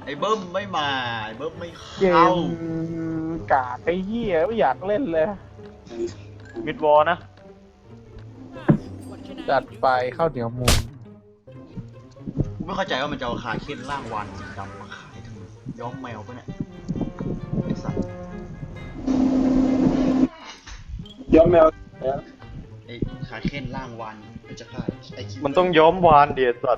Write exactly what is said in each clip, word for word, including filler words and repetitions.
ไอ้เบิ้มไม่มาไอ้เบิ้มไม่เกเข้ามกาไอ้เหี้ยไม่อยากเล่นเลยมิดวอลนะจัดไปข้าวเหนียวมูนกูไม่เข้าใจว่ามันจะเอาคาเค้นร่างวานสีดำมาขายทำไมย้อมแมวปะเนี่ยไอ้สัตว์ย้อมแมวไอ้คาเค้นร่างวานมันจะฆ่าไอ้คิวมันต้องย้อมวานเดียสัตว์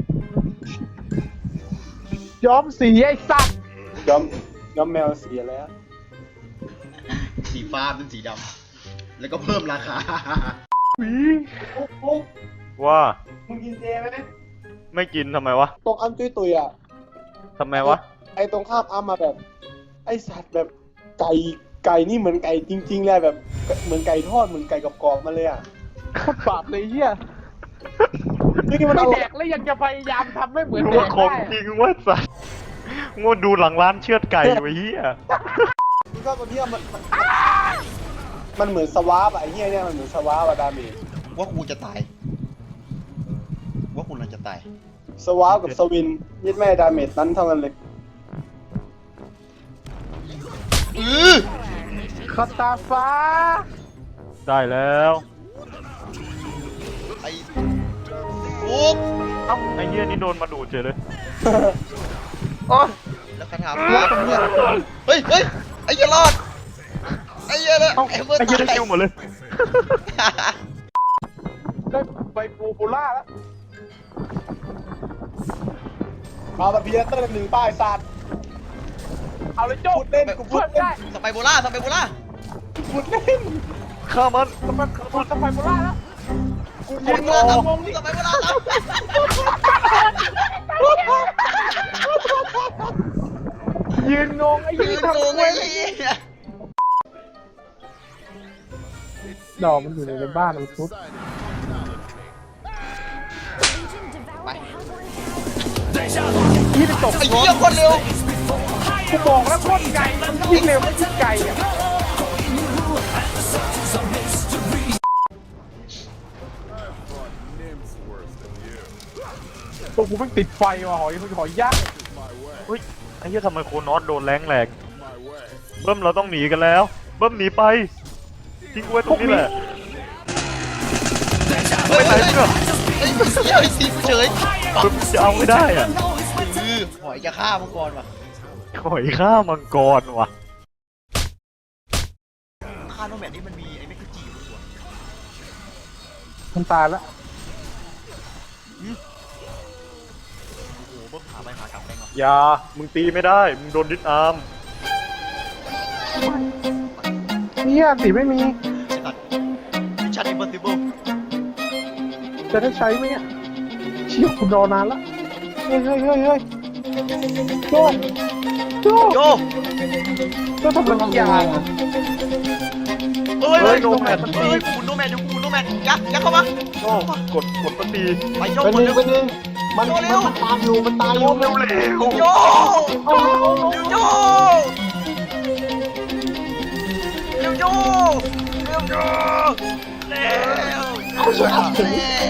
ย้อมสีไอ้สัตว์ย้อมย้อมแมวเสียแล้วสีฟ้าเป็นสีดำแล้วก็เพิ่มราคาปุ๊บปุ๊บว่ามึงกินเจไหมไม่กินทำไมวะตรงอันตุยตุยอ่ะทำไมวะไอตรงข้ามอ้ำมาแบบ ไอสัตว์แบบไก่ไก่นี่เหมือนไก่จริงๆเลยแบบเหมือนไก่ทอดเหมือนไก่กรอบๆมาเลยอ่ะโคตรบาปเลยเหี้ยนี่มันไม่เอาแดกแล้วยังจะพยายามทำไม่เหมือนรู้แดว่าก ของได้จริงว่าสัตว์งดดูหลังร้านเชือดไก่ไว้เฮียก็ตอนที่มันมันมันเหมือนสวาปอะไอเหี้ยเนี่ยมันเหมือนสวาปอะดาเมจว่ากูจะตายว่ากูน่าจะตายสวาปกับสวินยึดแม่ดาเมจนั้นเท่ากันเลยอือคาตาฟ้าได้แล้วไอ้ปุ๊บเอ้าไอ้เฮียนี่โดนมาดูดเฉยเลยโอ้ยแล้วคาถาฟ้าด้วยเฮ้ยเฮ้ยไอ้เหี้ยรอดไอ้เหี้ยเลยเอ้าไอ้เบิร์ดไอ้เฮียได้ตายคิวหมดเลยได้ใบปูปูล่าแล้วเอาแบบพีเตอร์หนึ่งป้ายสัตว์เอาเลยโจ้พูดเล่นกูพูเพื่ดอนเล่นได้สไปโบล่าสไปโบล่าพูดเล่นฆ่ามันสมัครสมัครปูล่าแล้วกูสยืไปนโบรอล่าตามวงสไปโบล่าตามยืนงงไอ้ยืยี่นทำงงไว้ไอ้เหี้ยดอกมันอยู่ในบ้านมันทุบไปยี่ไปตกไอ้เหี้ยคนเร็วกูบอกแล้วโคตรไกลมันยิ่งเร็วมันยิ่งไกลอ่ะตัวกูเพิ่งติดไฟว่ะหอยหอยย่างเฮ้ยไอ้เฮียทำไมโคนอสโดนแรงแหลกเบิ้มเราต้องหนีกันแล้วเบิ้มหนีไปทิ้งกูไว้ตรงนี้แหละเฮ้ยไปไหนเฮ้ยเพื่อนเฮ้ยเฮ้ยไอ้ทีมเฉยเบิ้มจะเอาไม่ได้อ่ะคือหอยจะฆ่ามังกรว่ะหอยฆ่ามังกรว่ะฆ่าโนแมดนี่มันมีไอ้เมกะจีอยู่ตัวมันตายแล้วโอ้โหเบิ้มหาไปหากลับได้ก่อนอย่ามึงตีไม่ได้มึงโดนดิสอาร์มเนี่ยสีไม่มีไอ้สัตว์มิชชั่นอิมพอสซิเบิลจะได้ใช้ไหมเนี่ยเชี่ยคุณรอนานแล้วเฮ้ยเฮ้ยเฮ้ยเฮ้ยโจ้โจ้โยโจ้ทำอะไรบางอย่างเฮ้ยเฮ้ยโนแมดมันตีกูโนแมดอยู่กูโนแมดยักยักเข้ามาโอ้กดกดมันตีไปโยเป็นคหนนึ่งเร็วเป็นหนึ่งมันมันมันตามอยู่มันตายอยู่เร็วเร็วโยโยเร็วโยเร็วโยเร็วเอาช่วยเอาเร็ว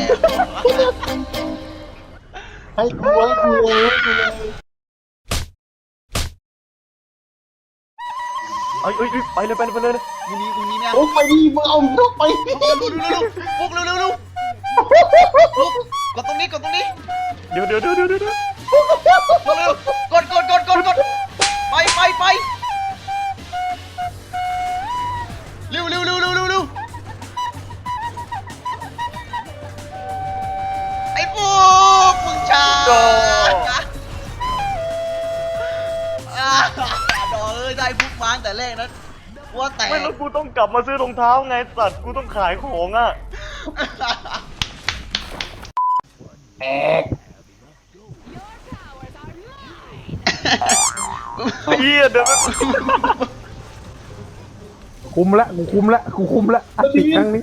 ให้กูให้กูเลยให้กูเลยเอ้ยเอ้ยไปเลยไปเลยไปเลยกูนี้กูนี้แม่โอ้ไปดิมึงเอานกไปดิเร็วเร็วเร็วปุ๊กเร็วเร็วเร็วปุ๊กกดตรงนี้กดตรงนี้เดี๋ยวเดี๋ยวเดี๋ยวเดี๋ยวเดี๋ยวเร็วกดกดกดกดกดไปไปไปเร็วเร็วเร็วเร็วเร็วเร็วไอ้ปุ๊กมึงช้าอ่าดอกเอ้ยได้ปุ๊กมาตั้งแต่แรกนั้นว่าแต่ไม่แล้วกูต้องกลับมาซื้อรองเท้าไงสัตว์กูต้องขายของอ่ะแอกไอ้เหี้ยเดี๋ยวมันคุมละกูคุมละกูคุมละอัดติดครั้งนี้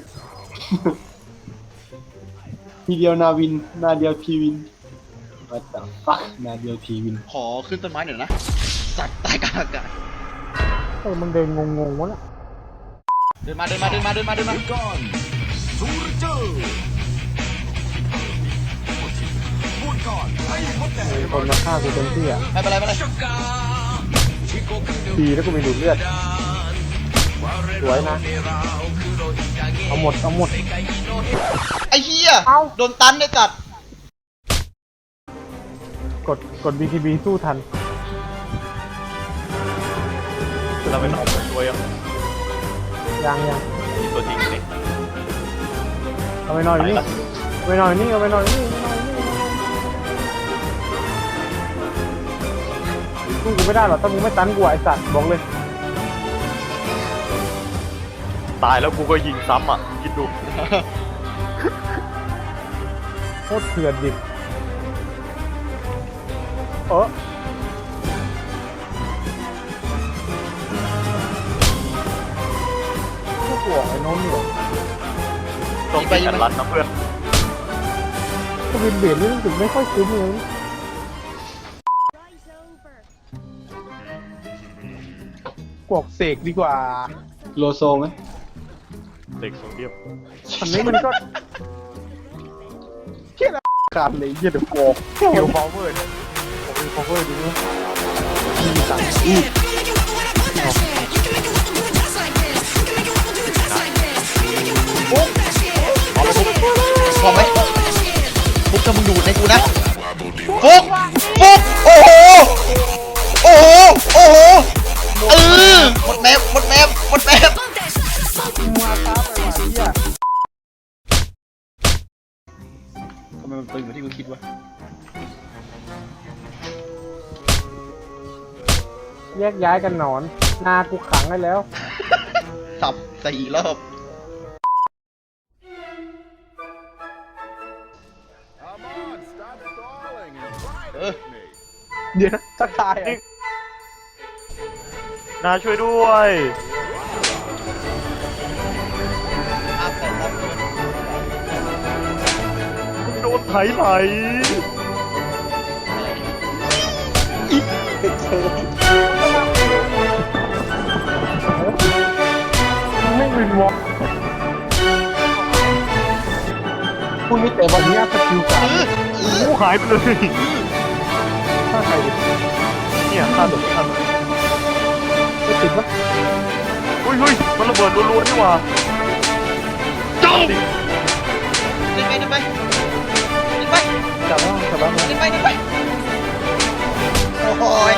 ทีเดียวนาวินนาเดียวพีวิน What the fuck นาเดียวพีวินขอขึ้นต้นไม้หน่อยนะสัตว์ใต้กลางอากาศเออมันเดินงงๆวะละเดินมาเดินมาเดินมาเดินมาเดินมาก่อนซูเจอร์พูดก่อนมีคนมาฆ่ากูเต็มที่อ่ะไม่เป็นไรไม่เป็นไรดีแล้วกูมีดูดเลือดสวยนะเอาหมดเอาหมดไอ้เหี้ยเอ้าโดนตันได้จัดกดกด บี ที บี สู้ทันเราเป็นออกมาช่วยอ่ะยังยังมีตัวจริงนี่เอาไปหน่อยนี่เอาไปหน่อยนี่เอาไปหน่อยนี่สู้กูไม่ได้หรอกถ้ามึงไม่ตันกูไอ้สัตว์บอกเลยตายแล้วกูก็ยิงซ้ำอ่ะคิดดูโคตรเถื่อนดิบเออพวกหัวไอ้โน้นเหรอต้องเป็นกันรันนะเพื่อนก็วินเบียดนี่รู้สึกไม่ค่อยคุ้มเลย กวกเสกดีกว่าโลโซไหมเด็กโซเดียมอันนี้มันก็เที่ยละการเลยเยี่ยเดอะกอกเกี่ยวพาวเวอร์เนี่ยผมมีพาวเวอร์ดีนะมีตังค์อีกพร้อมไหมฟุกถ้ามึงดูดในกูนะฟุกฟุกโอ้โหโอ้โหโอ้โหเออหมดแมปหมดแมปหมดแมปมาช้าไปว่ะเหี้ยทำไมมันตึงกว่าที่กูคิดวะแยกย้ายกันหนอนนากูขังไว้แล้วสับสี่รอบ เออเดี๋ยวนะทักทายอ่ะนาช่วยด้วยอาบแต่รอบโดนไถไหลไม่วินวอล์กคุณมีแต่วันนี้สกิลการกูหายไปเลยถ้าใครดิเนี่ยฆ่าตัวฆ่าตัวไม่ติดปะอุ้ยเฮ้ยมันระเบิดรัวๆนี่หว่าจ้องเดินไปเดินไปเดินไปจับแล้วจับแล้วนะเดินไปเดินไปโอ้ย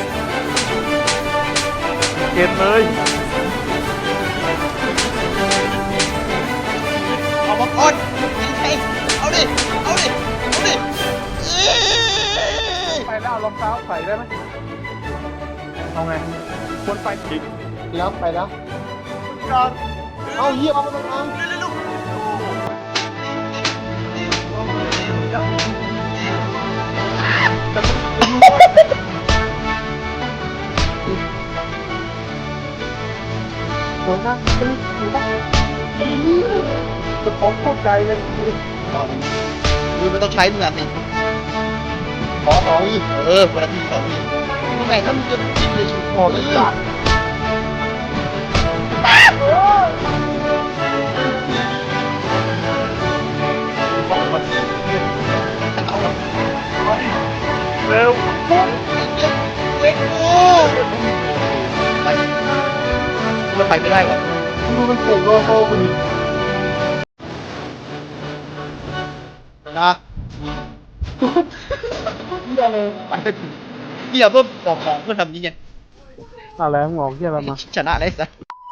เกณฑ์เลยเอามาก่อนยิงใครเอาดิเอาดิเอาดิเอ้ยไปแล้วเอารองเท้าใส่ได้ไหมเอาไงควรไปจริงแล้วไปแล้วการเอาเหี้ยเอามาตรงนั้นเร็วๆโดนนะเป็นถูกปะจะของโคตรไกลเลยมือมันต้องใช้มือสิขอสองอีกเออเวลาที่สองนี่ทำไมถ้ามึงจะกินเลยชุดพอเลยจ้ะเร็วเล็กกูไปมันไปไม่ได้วะดูมันเก่งโลโซกูดินะเหี้ยเลยไปเหี้ยเพิ่มบอกของเพื่อทำนี้ไงอะไรงอกเยี่ยอะไรมาชนะเลยสัส